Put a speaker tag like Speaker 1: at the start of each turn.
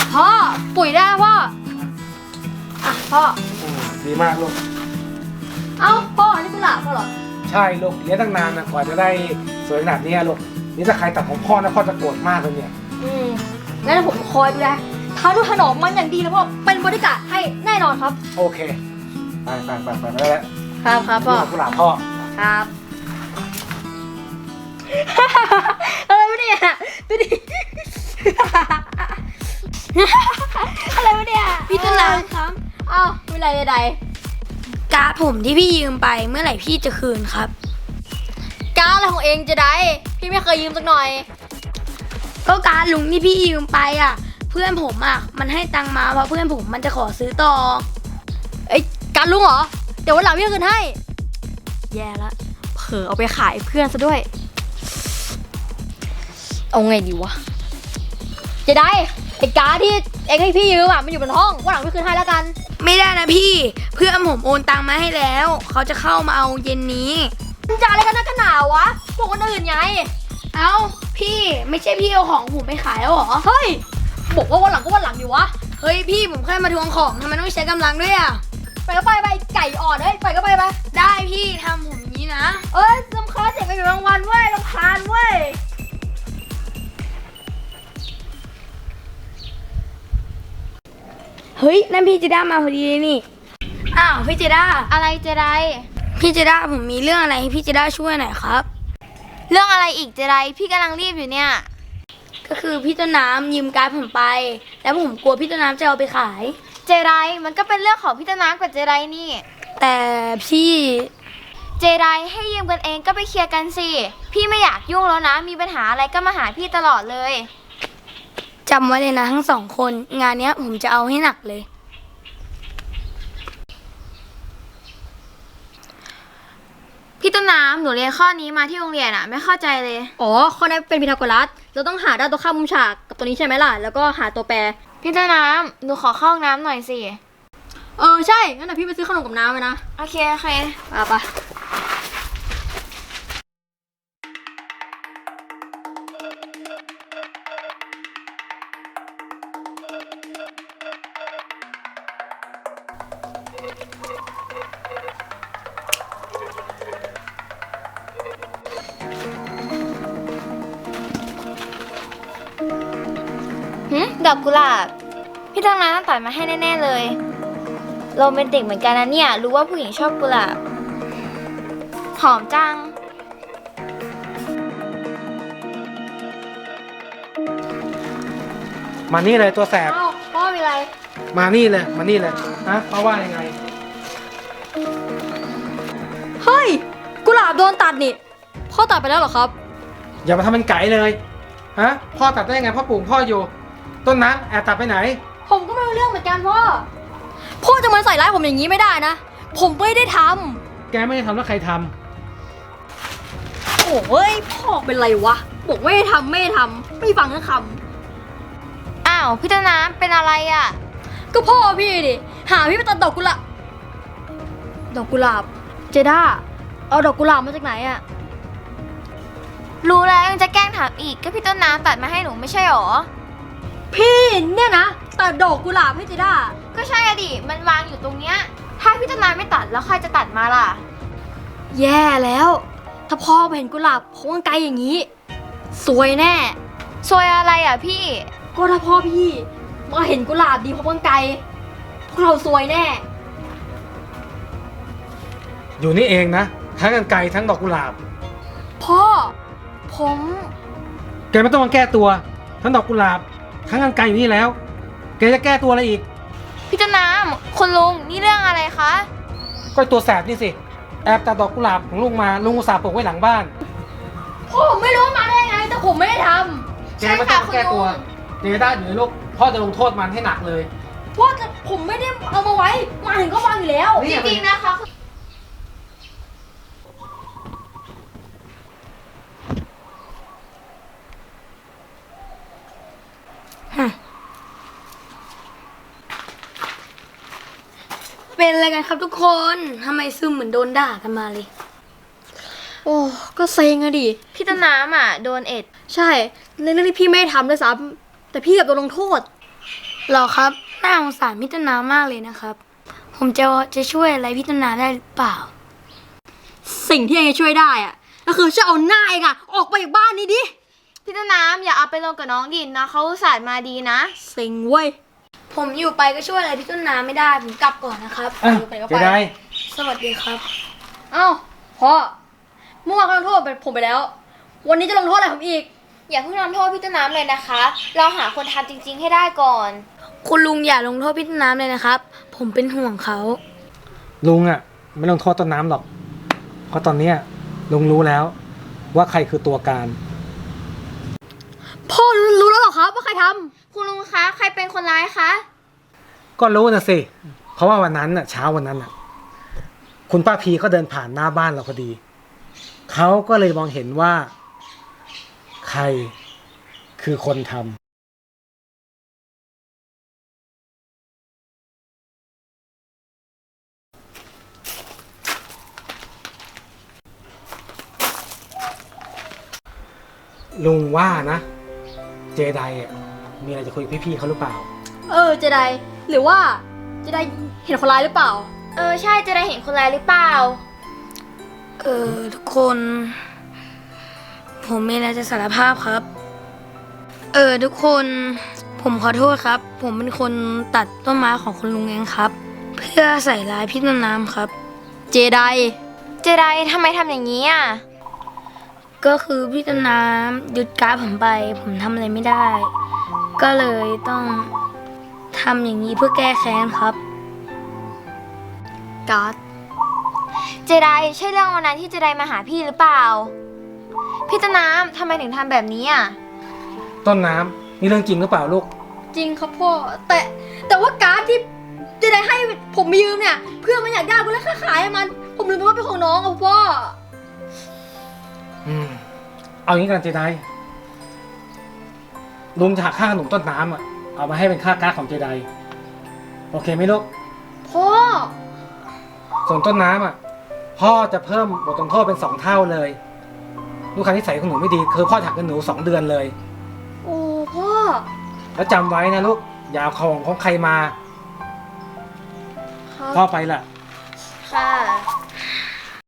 Speaker 1: พ่อปุ๋ยได้พ่ออ่ะพ่อ
Speaker 2: ดีมากลูก
Speaker 1: เอ้าพ่อนี่กุหลาบพ่อเหรอ
Speaker 2: ใช่ลูกเลี้ยงตั้งนานนะกว่าจะได้สวยขนาดนี้ลูกนี่ถ้าใครตัดของพ่อนะพ่อจะโกรธมากเลยเนี่ย
Speaker 1: งั้นผมคอยดูแลทานุถนอมมันอย่างดีนะพ่อเป็นบริการให้แน่นอนครับ
Speaker 2: โอเคไปได้แล้ว
Speaker 1: ครับพ่อ
Speaker 2: กุหลาบพ่อ
Speaker 1: ครับอะไรวะเนี่ยดูดิอะไรวะเนี่ย
Speaker 3: พี่ต้นน้ำครับ
Speaker 1: อ้าวไม่ไรใด
Speaker 3: การ์ดผมที่พี่ยืมไปเมื่อไหร่พี่จะคืนครับ
Speaker 1: การ์ดอะไรของเองจะได้พี่ไม่เคยยืมสักหน่อย
Speaker 3: ก็การ์ดลุงที่พี่ยืมไปอ่ะเพื่อนผมอ่ะมันให้ตังมาเพราะเพื่อนผมมันจะขอซื้อต่อ
Speaker 1: การ์ดลุงเหรอเดี๋ยววันหลังพี่คืนให้แย่ละเผลอเอาไปขายเพื่อนซะด้วยเอาไงดีวะจะได้ไอ้การ์ดที่เองให้พี่ยืมอ่ะมันอยู่บนห้องวันหลังพี่คืนให้แล้วกัน
Speaker 3: ไม่ได้นะพี่เพื่อนผมโอนตังมาให้แล้วเขาจะเข้ามาเอาเย็นนี้
Speaker 1: จะอะไรกันนักกันหนาวะบอกคนอื่นไง
Speaker 3: เอ้าพี่ไม่ใช่พี่เอาของผมไปขายแล้วหรอ
Speaker 1: เฮ้ยบอกว่าวันหลังก็วันหลังอยู่วะ
Speaker 3: เฮ้ยพี่ผมแค่มาทวงของทำไมต้องใช้กำลังด้วยอ่ะ
Speaker 1: ไปก็ไปไก่อ่อนเฮ้ยไปก็ไป
Speaker 3: ได้พี่ทำผมนี้นะ
Speaker 1: รำคาญเสียงไปอยู่รางวัลเว้ยรำคาญเว้ย
Speaker 3: เฮ้ยนั่นพี่เจด้ามาพอดีนี่อ้าวพี่เจด้า
Speaker 4: อะไรเจได
Speaker 3: พี่เจด้าผมมีเรื่องอะไรให้พี่เจด้าช่วยหน่อยครับ
Speaker 4: เรื่องอะไรอีกเจไดพี่กำลังรีบอยู่เนี่ย
Speaker 3: ก็คือพี่ต้นน้ำยืมการ์ดผมไปแล้วผมกลัวพี่ต้นน้ำจะเอาไปขาย
Speaker 4: เจไดมันก็เป็นเรื่องของพี่ต้นน้ำกับเจไดนี่
Speaker 3: แต่พี่
Speaker 4: เจไดให้ยืมกันเองก็ไปเคลียร์กันสิพี่ไม่อยากยุ่งแล้วนะมีปัญหาอะไรก็มาหาพี่ตลอดเลย
Speaker 3: จำไว้เลยนะทั้งสองคนงานเนี้ยผมจะเอาให้หนักเลย
Speaker 4: พี่ต้นน้ำหนูเรียนข้อนี้มาที่โรงเรียนอะไม่เข้าใจเลย
Speaker 1: ข้อนี้เป็นพีทาโกรัสเราต้องหาด้านตัวข้ามมุมฉากกับตัวนี้ใช่ไหมล่ะแล้วก็หาตัวแปร
Speaker 4: พี่ต้นน้ำหนูขอเข้าห้องน้ำหน่อยสิ
Speaker 1: ใช่งั้นเดี๋ยวพี่ไปซื้อขนมกับน้ำไปนะ
Speaker 4: โอเค
Speaker 1: ไป
Speaker 4: ดอกกุหลาบพี่ต้นน้ำต้องตัดมาให้แน่ๆเลยโรแมนติกเหมือนกันนะเนี่ยรู้ว่าผู้หญิงชอบกุหลาบหอมจัง
Speaker 2: มานี่เลยตัวแสบ
Speaker 1: พ่อมีอะไร
Speaker 2: มานี่เลยฮะเพราะว่ายังไง
Speaker 1: เฮ้ยกุหลาบโดนตัดนี่พ่อตัดไปแล้วเหรอครับ
Speaker 2: อย่ามาทำเป็นไก่เลยฮะพ่อตัดได้ยังไงพ่อปลูกพ่ออยู่ต้นน้ำแอบตัดไปไหน
Speaker 1: ผมก็ไม่รู้เรื่องเหมือนกันพ่อจะมาใส่ร้ายผมอย่างนี้ไม่ได้นะผมไม่ได้ท
Speaker 2: ำแกไม่ได้ทำแล้วใครท
Speaker 1: ำโอ้ยพ่อเป็นไรวะบอกไม่ได้ทำไม่ฟังทั้งค
Speaker 4: ำอ้าวพี่ต้นน้ำเป็นอะไรอ่ะ
Speaker 1: ก็พ่อพี่ดิหาพี่ไปตัดดอกกุหลาบเจด้าเอาดอกกุหลาบมาจากไหนอ่ะ
Speaker 4: รู้แล้วยังจะแกล้งถามอีกก็พี่ต้นน้ำตัดมาให้หนูไม่ใช่หรอ
Speaker 1: พี่เนี่ยนะตัดดอกกุหลาบให้เจด้า
Speaker 4: ก็ใช่อะดิมันวางอยู่ตรงเนี้ยถ้าพี่ต้นน้ำไม่ตัดแล้วใครจะตัดมาล่ะ
Speaker 1: แย่แล้วถ้าพ่อเห็นกุหลาบพวงไกลอย่างนี้ซวยแน่
Speaker 4: ซวยอะไรอ่ะพี่
Speaker 1: ก็ถ้าพ่อพี่มาเห็นกุหลาบดีพวงไกลพวกเราซวยแน่
Speaker 2: อยู่นี่เองนะทั้งกันไกลทั้งดอกกุหลาบ
Speaker 1: พ่อผม
Speaker 2: แกไม่ต้องมาแก้ตัวทั้งดอกกุหลาบทั้งกันไกลอยู่นี่แล้วแกจะแก้ตัวอะไรอีก
Speaker 4: พี่ต้นน้ำคุณลุงนี่เรื่องอะไรคะ
Speaker 2: ก็ตัวแสบนี่สิแอบตัดดอกกุหลาบของลุงมาลุงอุตส่าห์ปลูกไว้หลังบ้าน
Speaker 1: ผมไม่รู้มาได้ไงแต่ผมไม่ได้ท
Speaker 2: ำแกไม่ต้องแก้ตัวเจด้าอยู่ในลูกพ่อจะลงโทษมันให้หนักเลย
Speaker 1: พ่อแต่ผมไม่ได้เอามาไว้มาถึงก็วางอยู่แล้ว
Speaker 4: จริงๆนะคะ
Speaker 3: เป็นอะไรกันครับทุกคนทำไมซึมเหมือนโดนด่ากันมาเลย
Speaker 1: ก็เซ็งอะดิ
Speaker 4: พี่ต้นน้ำอ่ะโดนเอ็ด
Speaker 1: ใช่ในเรื่องที่พี่ไม่ทำด้วยซ้ำแต่พี่กับโดนลงโทษ
Speaker 4: เ
Speaker 3: หรอครับน่าสงสารพี่ต้นน้ำมากเลยนะครับ ผมจะช่วยอะไรพี่ต้นน้ำได้หรือเปล่า
Speaker 1: สิ่งที่เองจะช่วยได้อะก็คือช่วยเอาหน้าเองอะออกไปจากบ้านนี้ดิ
Speaker 4: พี่ต้นน้ำอย่าเอาไปลงกับน้องดินนะเขาอุตส่าห์มาดีนะ
Speaker 1: สิงเว้ย
Speaker 3: ผมอยู่ไปก็ช่วยอะไรพี่ต้นน้ำไม่ได้ ผมกลับก่อนนะครับ
Speaker 2: อ่ะ
Speaker 1: ไปก็ไป
Speaker 2: เจได
Speaker 3: สวัสดีครับ
Speaker 1: เอ้าพ่อเมื่อวานเขาลงโทษผมไปแล้ว วันนี้จะลงโทษอะไรผมอีก
Speaker 4: อย่าเพิ่งทำโทษพี่ต้นน้ำเลยนะคะ เราหาคนทำจริง ๆ ให้ได้ก่อน
Speaker 3: คุณลุงอย่าลงโทษพี่ต้นน้ำเลยนะครับ ผมเป็นห่วงเขา
Speaker 2: ลุงอ่ะ ไม่ลงโทษต้นน้ำหรอก เพราะตอนเนี้ยลุงรู้แล้ว ว่าใครคือตัวการ
Speaker 1: พ่อรู้แล้วเหรอครับว่าใครทำ
Speaker 4: คุณลุงคะใครเป็นคนร้ายคะ
Speaker 2: ก็รู้นะสิ เพราะว่าวันนั้นน่ะเช้าวันนั้นน่ะ คุณป้าพีก็เดินผ่านหน้าบ้านเราพอดี เขาก็เลยมองเห็นว่า ใครคือคนทำลุงว่านะ เจไดอ่ะมีอะไรจะคุยกับพี่ๆเขาหรือเปล่า
Speaker 1: เจไดหรือว่าเจไดเห็นคนร้ายหรือเปล่า
Speaker 4: ใช่จะได้เห็นคนร้ายหรือเปล่า
Speaker 3: ทุกคน ผมมีอะไรจะสารภาพครับ ทุกคน ผมขอโทษครับ ผมเป็นคนตัดต้นไม้ของคุณลุงเองครับ เพื่อใส่ร้ายพี่ต้นน้ำครับ
Speaker 1: เจได
Speaker 4: เจไดทำไมทำอย่างนี้อ่ะ
Speaker 3: ก็คือพี่ต้นน้ำยึดการ์ดผมไป ผมทำอะไรไม่ได้ ก็เลยต้องทำอย่างนี้เพื่อแก้แค้นครับ
Speaker 1: การ์ด
Speaker 4: เจไดใช่เรื่องวันนั้นที่เจไดมาหาพี่หรือเปล่า พี่ต้นน้ำทำไมถึงทำแบบนี้อ่ะ
Speaker 2: ต้นน้ำนี่เรื่องจริงหรือเปล่าลูก
Speaker 1: จริงครับพ่อ แต่ว่าการ์ดที่เจไดให้ผมไปยืมเนี่ย เพื่อนมันอยากได้ก็เลยขายให้มัน ผมลืมไปว่าเป็นของน้องครับพ่อ
Speaker 2: เอางี้กันเจไดลุงจะหักค่าขนมต้นน้ำอ่ะ เอามาให้เป็นค่าการ์ดของเจไดโอเคไหมลูก
Speaker 1: พ่อ
Speaker 2: ส่วนต้นน้ำอ่ะ พ่อจะเพิ่มบทลงโทษเป็น2 เท่าเลย ลูกค้านิสัยของหนูไม่ดีคือพ่อจะหักเงินหนู2 เดือนเลย
Speaker 1: โอ้พ่อ
Speaker 2: แล้วจำไว้นะลูก อย่าเอาของใครมา
Speaker 1: ครับ
Speaker 2: พ่อไปละ
Speaker 4: ค่ะ